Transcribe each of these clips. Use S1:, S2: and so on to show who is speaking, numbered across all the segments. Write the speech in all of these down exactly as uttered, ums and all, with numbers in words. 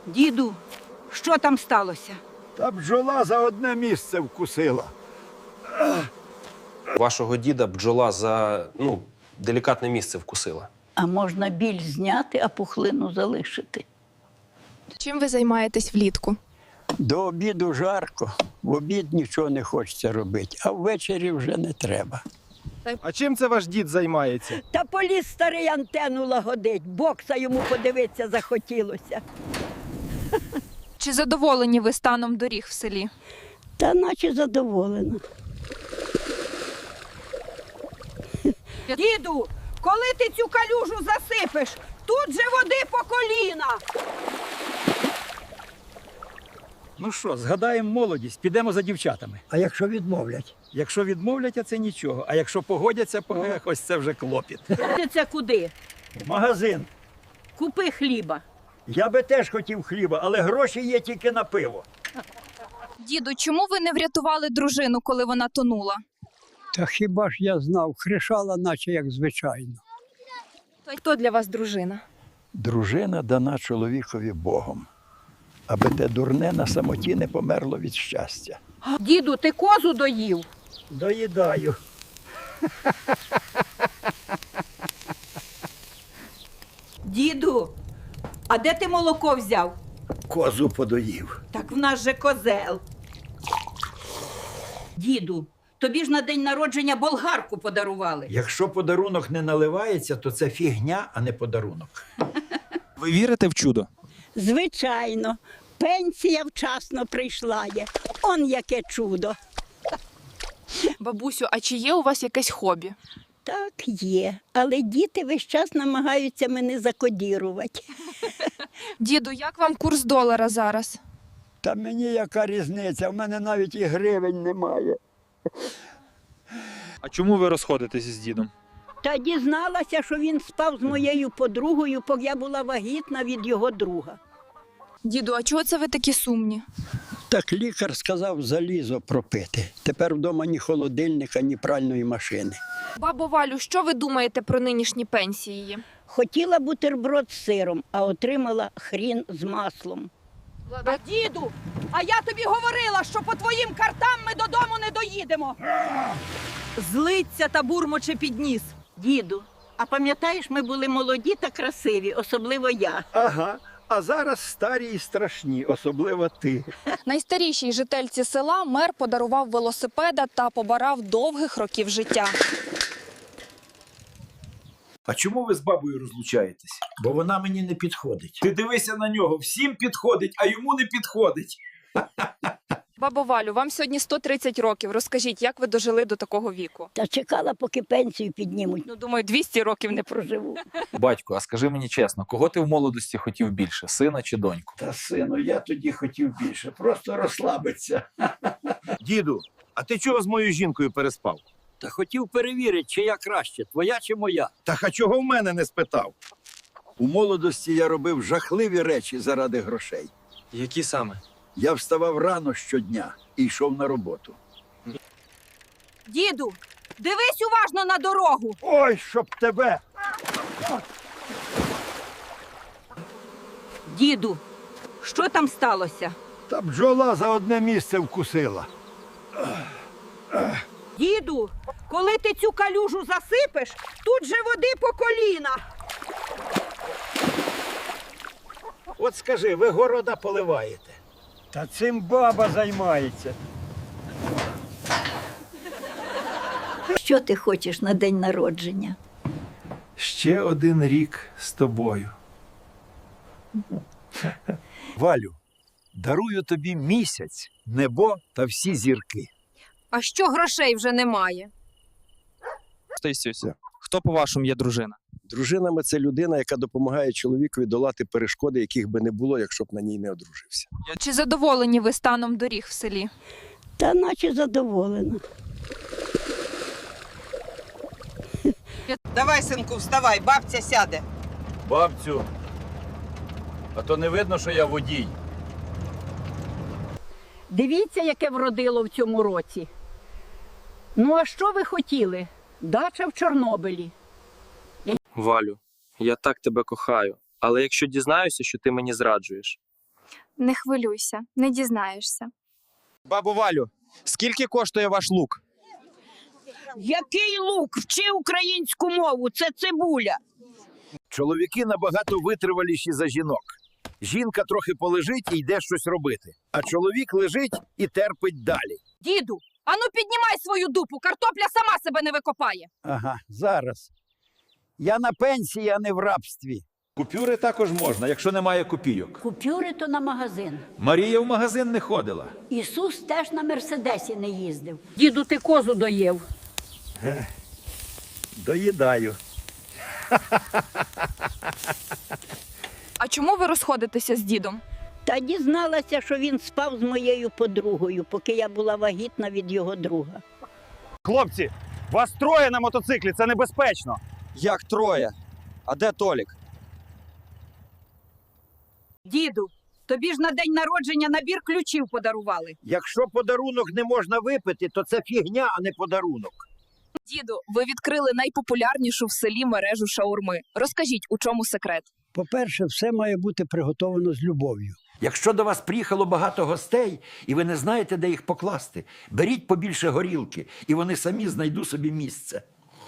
S1: Діду, що там сталося?
S2: Та бджола за одне місце вкусила.
S3: Вашого діда бджола за, ну, делікатне місце вкусила.
S4: А можна біль зняти, а пухлину залишити.
S5: Чим ви займаєтесь влітку?
S6: До обіду жарко, в обід нічого не хочеться робити, а ввечері вже не треба.
S7: А чим це ваш дід займається?
S4: Та поліз старий антенну лагодить, бокса йому подивитися захотілося.
S5: Чи задоволені ви станом доріг в селі?
S4: Та наче задоволена.
S1: Діду, коли ти цю калюжу засипеш, тут же води по коліна.
S2: Ну що, згадаємо молодість, підемо за дівчатами.
S6: А якщо відмовлять?
S2: Якщо відмовлять, а це нічого. А якщо погодяться, по ось це вже клопіт.
S1: Ти це куди?
S2: Магазин.
S1: Купи хліба.
S2: Я би теж хотів хліба, але гроші є тільки на пиво.
S5: Діду, чому ви не врятували дружину, коли вона тонула?
S6: Та хіба ж я знав, кришала, наче як звичайно.
S5: Хто для вас дружина?
S6: Дружина дана чоловікові Богом, аби те дурне на самоті не померло від щастя.
S1: Діду, ти козу доїв?
S2: Доїдаю.
S1: Діду, а де ти молоко взяв?
S2: Козу подоїв.
S1: Так в нас же козел. Діду, тобі ж на день народження болгарку подарували.
S2: Якщо подарунок не наливається, то це фігня, а не подарунок.
S7: Ви вірите в чудо?
S4: Звичайно, пенсія вчасно прийшла є. Он яке чудо.
S5: Бабусю, а чи є у вас якесь хобі?
S4: Так є, але діти весь час намагаються мене закодірувати.
S5: Діду, як вам курс долара зараз?
S6: Та мені яка різниця, в мене навіть і гривень немає.
S7: А чому ви розходитесь з дідом?
S4: Та дізналася, що він спав з моєю подругою, поки я була вагітна від його друга.
S5: Діду, а чого це ви такі сумні?
S6: Так лікар сказав залізо пропити. Тепер вдома ні холодильника, ні пральної машини.
S5: Бабо Валю, що ви думаєте про нинішні пенсії?
S4: Хотіла бутерброд з сиром, а отримала хрін з маслом.
S1: Діду, а я тобі говорила, що по твоїм картам ми додому не доїдемо. Злиться та бурмоче під ніс.
S4: Діду, а пам'ятаєш, ми були молоді та красиві, особливо я.
S2: Ага. А зараз старі і страшні, особливо ти.
S5: Найстарішій жительці села мер подарував велосипеда та побарав довгих років життя.
S8: А чому ви з бабою розлучаєтесь?
S2: Бо вона мені не підходить.
S8: Ти дивися на нього, всім підходить, а йому не підходить.
S5: Бабо Валю, вам сьогодні сто тридцять років. Розкажіть, як ви дожили до такого віку?
S4: Та чекала, поки пенсію піднімуть.
S5: Ну, думаю, двісті років не проживу.
S3: Батько, а скажи мені чесно, кого ти в молодості хотів більше, сина чи доньку?
S2: Та, сину, я тоді хотів більше, просто розслабитися.
S7: Діду, а ти чого з моєю жінкою переспав?
S6: Та хотів перевірити, чия краще, твоя чи моя.
S7: Та а чого в мене не спитав?
S2: У молодості я робив жахливі речі заради грошей.
S3: Які саме?
S2: Я вставав рано щодня і йшов на роботу.
S1: Діду, дивись уважно на дорогу.
S2: Ой, щоб тебе!
S1: Діду, що там сталося?
S2: Та бджола за одне місце вкусила.
S1: Діду, коли ти цю калюжу засипеш, тут же води по коліна.
S2: От скажи, ви города поливаєте? Та цим баба займається.
S4: Що ти хочеш на день народження?
S8: Ще один рік з тобою.
S2: Валю, дарую тобі місяць, небо та всі зірки.
S5: А що грошей вже немає?
S7: Стасюся, хто, по-вашому, є дружина?
S9: Дружинами – це людина, яка допомагає чоловікові долати перешкоди, яких би не було, якщо б на ній не одружився.
S5: Чи задоволені ви станом доріг в селі?
S4: Та наче задоволена.
S1: Давай, синку, вставай, бабця сяде.
S8: Бабцю, а то не видно, що я водій.
S1: Дивіться, яке вродило в цьому році. Ну, а що ви хотіли? Дача в Чорнобилі.
S3: Валю, я так тебе кохаю, але якщо дізнаюся, що ти мені зраджуєш.
S5: Не хвилюйся, не дізнаєшся.
S7: Бабу Валю, скільки коштує ваш лук?
S4: Який лук? Вчи українську мову, це цибуля.
S2: Чоловіки набагато витриваліші за жінок. Жінка трохи полежить і йде щось робити, а чоловік лежить і терпить далі.
S1: Діду, ану піднімай свою дупу, картопля сама себе не викопає.
S6: Ага, зараз. Я на пенсії, а не в рабстві.
S8: Купюри також можна, якщо немає копійок.
S10: Купюри то на магазин.
S8: Марія в магазин не ходила.
S10: Ісус теж на Мерседесі не їздив.
S4: Діду, ти козу доїв.
S2: Доїдаю.
S5: А чому ви розходитеся з дідом?
S4: Та дізналася, що він спав з моєю подругою, поки я була вагітна від його друга.
S7: Хлопці, вас троє на мотоциклі, це небезпечно. Як троє? А де Толік?
S1: Діду, тобі ж на день народження набір ключів подарували.
S2: Якщо подарунок не можна випити, то це фігня, а не подарунок.
S5: Діду, ви відкрили найпопулярнішу в селі мережу шаурми. Розкажіть, у чому секрет?
S6: По-перше, все має бути приготовано з любов'ю.
S2: Якщо до вас приїхало багато гостей, і ви не знаєте, де їх покласти, беріть побільше горілки, і вони самі знайдуть собі місце.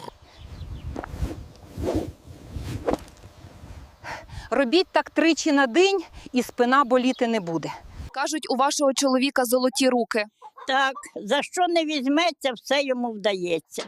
S1: Робіть так тричі на день, і спина боліти не буде.
S5: Кажуть, у вашого чоловіка золоті руки.
S4: Так, за що не візьметься, все йому вдається.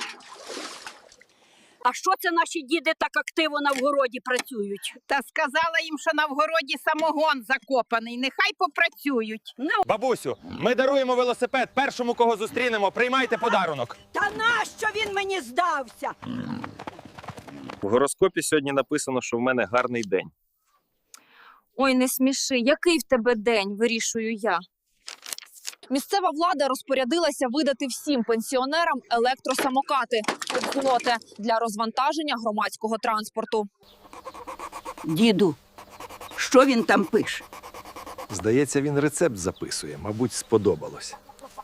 S4: А що це наші діди так активно на вгороді працюють?
S1: Та сказала їм, що на вгороді самогон закопаний, нехай попрацюють. Ну,
S7: Бабусю, ми даруємо велосипед першому, кого зустрінемо. Приймайте подарунок.
S4: Та нащо він мені здався?
S7: В гороскопі сьогодні написано, що в мене гарний день.
S5: Ой, не сміши, який в тебе день, вирішую я. Місцева влада розпорядилася видати всім пенсіонерам електросамокати «Злоте» для розвантаження громадського транспорту.
S4: Діду, що він там пише?
S9: Здається, він рецепт записує, мабуть, сподобалось.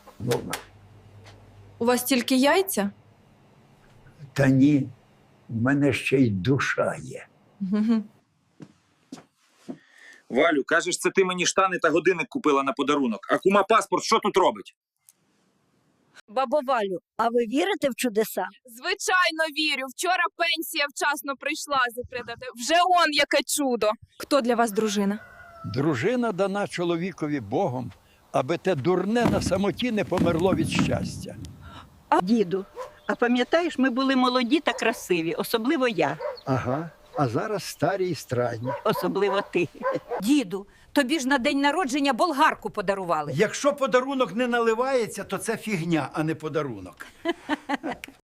S5: У вас тільки яйця?
S6: Та ні, в мене ще й душа є.
S7: Валю, кажеш, це ти мені штани та годинник купила на подарунок. А кума паспорт що тут робить?
S4: Бабо Валю, а ви вірите в чудеса?
S5: Звичайно, вірю. Вчора пенсія вчасно прийшла закритати. Вже он яке чудо. Хто для вас дружина?
S6: Дружина дана чоловікові Богом, аби те дурне на самоті не померло від щастя.
S4: А, діду, а пам'ятаєш, ми були молоді та красиві, особливо я,
S6: Ага, а зараз старі і страдні.
S4: особливо ти.
S1: діду, тобі ж на день народження болгарку подарували.
S2: Якщо подарунок не наливається, то це фігня, а не подарунок.